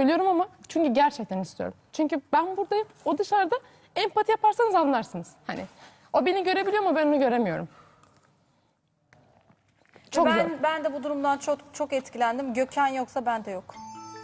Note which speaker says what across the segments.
Speaker 1: söylüyorum ama çünkü gerçekten istiyorum. Çünkü ben buradayım, o dışarıda. Empati yaparsanız anlarsınız. Hani o beni görebiliyor ama ben onu göremiyorum. Çok zor.
Speaker 2: Ben de bu durumdan çok etkilendim. Gökhan yoksa ben de yok.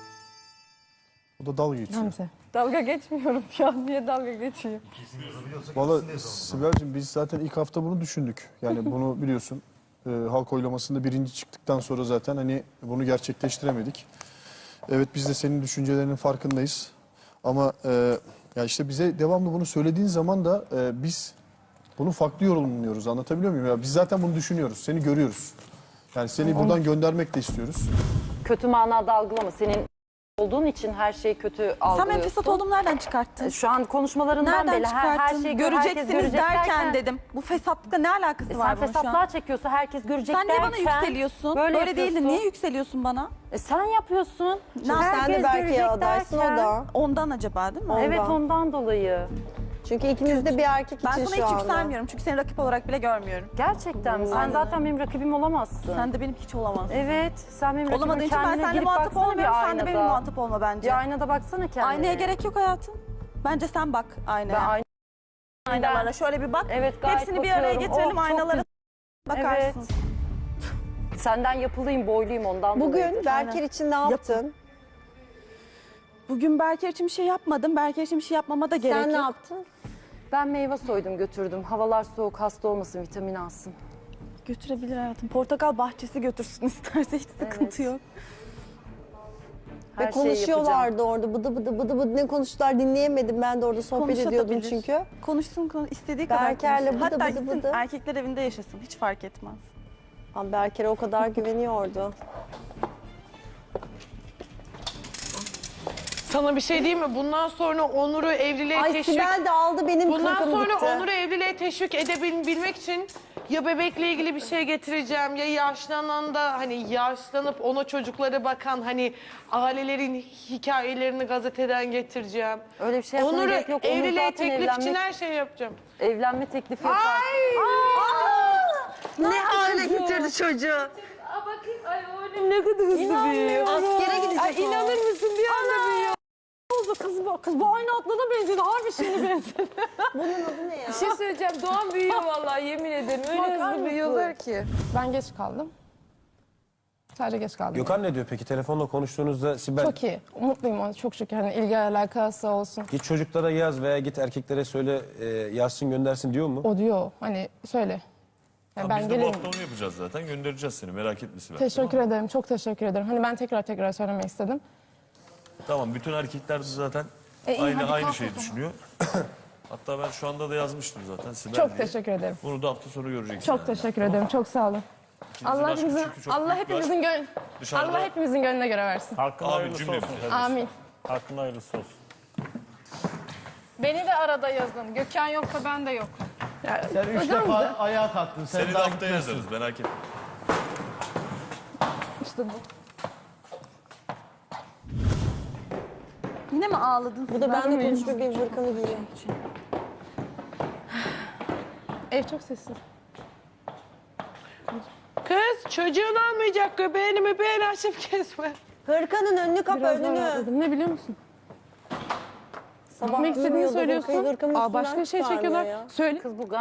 Speaker 3: O da dalga geçiyor.
Speaker 1: Hamza.
Speaker 2: Dalga geçmiyorum ya. Niye dalga geçeyim?
Speaker 3: Valla Sibel'cim biz zaten ilk hafta bunu düşündük. Yani bunu biliyorsun halk oylamasında birinci çıktıktan sonra zaten hani bunu gerçekleştiremedik. Evet biz de senin düşüncelerinin farkındayız. Ama ya işte bize devamlı bunu söylediğin zaman da biz bunu farklı yorumluyoruz. Anlatabiliyor muyum? Ya biz zaten bunu düşünüyoruz. Seni görüyoruz. Yani seni buradan göndermek de istiyoruz.
Speaker 4: Kötü manada algılama. Senin olduğun için her şeyi kötü algılıyorsun.
Speaker 5: Sen benim fesat olduğumu nereden çıkarttın?
Speaker 4: Şu an konuşmalarından
Speaker 5: Nereden
Speaker 4: belli. Her
Speaker 5: çıkarttın?
Speaker 4: şeyi
Speaker 5: Göreceksiniz
Speaker 4: görecek
Speaker 5: derken dedim. Bu fesatlıkla ne alakası
Speaker 4: Sen
Speaker 5: var bunun şu an?
Speaker 4: fesatlığa çekiyorsa herkes görecek
Speaker 5: Sen niye
Speaker 4: derken.
Speaker 5: bana yükseliyorsun?
Speaker 4: Böyle
Speaker 5: Böyle değil de
Speaker 4: yapıyorsun.
Speaker 5: niye yükseliyorsun bana?
Speaker 4: Sen yapıyorsun.
Speaker 5: Sen
Speaker 4: Herkes
Speaker 6: Sen de Berke'ye
Speaker 4: görecek
Speaker 6: adaysın o
Speaker 4: derken.
Speaker 6: da.
Speaker 5: Ondan acaba değil mi?
Speaker 4: Evet
Speaker 6: Ondan.
Speaker 4: ondan dolayı.
Speaker 6: Çünkü ikiniz de bir erkek
Speaker 5: Ben
Speaker 6: için
Speaker 5: sana
Speaker 6: şu
Speaker 5: hiç
Speaker 6: anda.
Speaker 5: yükselmiyorum çünkü seni rakip olarak bile görmüyorum.
Speaker 4: Gerçekten mi? Sen zaten benim rakibim olamazsın.
Speaker 5: Sen de benim hiç olamazsın.
Speaker 4: Evet. Sen benim rakibim.
Speaker 5: Olamadığın için ben
Speaker 4: Kendine
Speaker 5: seninle
Speaker 4: girip
Speaker 5: muhatap
Speaker 4: baksana
Speaker 5: olmuyorum.
Speaker 4: bir
Speaker 5: Sen de
Speaker 4: aynada.
Speaker 5: benimle muhatap olma bence.
Speaker 4: Bir aynada baksana kendine.
Speaker 5: Aynaya gerek yok hayatım. Bence sen bak
Speaker 4: Ben
Speaker 5: aynaya. Aynalara şöyle bir bak.
Speaker 4: Evet gayet
Speaker 5: Hepsini bir araya
Speaker 4: bakıyorum.
Speaker 5: getirelim
Speaker 4: Oh, çok
Speaker 5: aynalara bakarsın.
Speaker 4: Evet. Senden yapılıyım, boyluyum ondan
Speaker 6: Bugün
Speaker 4: dolayıdır.
Speaker 6: Berker için ne yaptın?
Speaker 5: Bugün Berker için bir şey yapmadım. Berker için bir şey yapmama da gerek
Speaker 6: Sen ne
Speaker 5: yok.
Speaker 6: yaptın?
Speaker 4: Ben meyve soydum götürdüm. Havalar soğuk, hasta olmasın, vitamin alsın.
Speaker 5: Götürebilir hayatım. Portakal bahçesi götürsün isterse hiç sıkıntı yok.
Speaker 4: Her
Speaker 6: Ve
Speaker 4: şeyi yapacağım.
Speaker 6: konuşuyorlardı orada bıdı bıdı bıdı bıdı ne konuştular dinleyemedim. Ben de orada sohbet ediyordum
Speaker 5: Konuşabilir.
Speaker 6: çünkü.
Speaker 5: Konuşsun istediği kadar
Speaker 6: Berker'le
Speaker 5: konuşsun.
Speaker 6: bıdı
Speaker 5: Hatta
Speaker 6: bıdı
Speaker 5: gitsin
Speaker 6: bıdı.
Speaker 5: erkekler evinde yaşasın. Hiç fark etmez.
Speaker 6: Ama Berker'e o kadar güveniyordu.
Speaker 7: Sana bir şey diyeyim mi? Bundan sonra Onur'u evliliğe
Speaker 6: Ay
Speaker 7: teşvik...
Speaker 6: Sibel de aldı benim
Speaker 7: Bundan
Speaker 6: kırkım
Speaker 7: sonra
Speaker 6: gitti.
Speaker 7: Onur'u evliliğe teşvik edebilmek için ya bebekle ilgili bir şey getireceğim ya yaşlanan da hani yaşlanıp ona çocuklara bakan hani ailelerin hikayelerini gazeteden getireceğim.
Speaker 4: Öyle bir şey yapmana
Speaker 7: Onur'u
Speaker 4: gerek yok. Onur
Speaker 7: evliliğe
Speaker 4: zaten
Speaker 7: teklif için her şeyi yapacağım.
Speaker 4: evlenme teklifi yapar.
Speaker 6: Ne hale getirdi çocuğu?
Speaker 7: Bakayım ay oğlum ne kadar hızlı büyüyor.
Speaker 6: Askere gidecek
Speaker 7: Ay inanır mısın bir anda büyüyor.
Speaker 5: Kız bu aynı atlana benzedi. Harbi şeyine benzedi.
Speaker 6: Bunun adı ne ya?
Speaker 7: Bir şey söyleyeceğim Doğan büyüyor vallahi yemin ederim öyle hızlı büyüyorlar ki.
Speaker 1: Ben geç kaldım. Sadece geç kaldım.
Speaker 8: Gökhan ne diyor peki? Telefonla konuştuğunuzda Sibel
Speaker 1: Çok iyi. Mutluyum ona çok şükür. Hani ilgi alakası olsun.
Speaker 8: git çocuklara yaz veya git erkeklere söyle yazsın göndersin diyor mu?
Speaker 1: O diyor hani söyle. Yani ben
Speaker 9: Biz de bu
Speaker 1: geleyim.
Speaker 9: hafta onu yapacağız zaten. Göndereceğiz seni. Merak etme Sibel.
Speaker 1: Teşekkür ederim. Çok teşekkür ederim. Hani ben tekrar söylemek istedim.
Speaker 9: Tamam. Bütün erkekler de zaten
Speaker 1: iyi, hadi
Speaker 9: aynı
Speaker 1: kalk
Speaker 9: şeyi
Speaker 1: o zaman.
Speaker 9: düşünüyor. Hatta ben şu anda da yazmıştım zaten Sibel
Speaker 1: Çok
Speaker 9: diye.
Speaker 1: teşekkür ederim.
Speaker 9: Bunu da hafta sonu göreceksin.
Speaker 1: Çok
Speaker 9: yani.
Speaker 1: teşekkür ederim. Çok sağ olun.
Speaker 9: İkinizin aşkı çünkü çok
Speaker 1: Allah
Speaker 9: büyük bir
Speaker 1: hepimizin
Speaker 9: Dışarıda-
Speaker 1: Allah hepimizin gönlüne göre versin.
Speaker 10: Hakkında
Speaker 9: Abi
Speaker 10: hayırlısı
Speaker 9: cümle
Speaker 10: olsun.
Speaker 9: bize.
Speaker 1: Amin.
Speaker 10: Hakkında hayırlısı olsun.
Speaker 2: Beni de arada yazın. Gökhan yoksa ben de yok.
Speaker 11: Sen üç defa ayağa kalktın. Sen
Speaker 9: Seni de
Speaker 11: daha
Speaker 9: haftaya
Speaker 11: gitmezsin.
Speaker 9: yazarız. Merak etme.
Speaker 1: İşte bu.
Speaker 5: Yine mi ağladın?
Speaker 6: Bu da benimle konuşuyor benim hırkamı giyiyor.
Speaker 1: Ev çok sessiz.
Speaker 7: Kız çocuğun olmayacak göbeğini açıp kesme.
Speaker 6: Hırkanın önünü kapa
Speaker 1: Biraz daha
Speaker 6: önünü.
Speaker 1: rahatladım. Ne biliyor musun?
Speaker 6: Sabah
Speaker 1: Gitmek istediğini
Speaker 6: uyumuyordu,
Speaker 1: söylüyorsun.
Speaker 6: hırkamın
Speaker 1: Aa,
Speaker 6: üstünden
Speaker 1: başka şey
Speaker 6: çıkarmıyor
Speaker 1: çekiyorlar.
Speaker 6: ya.
Speaker 1: Söyle.
Speaker 4: Kız bu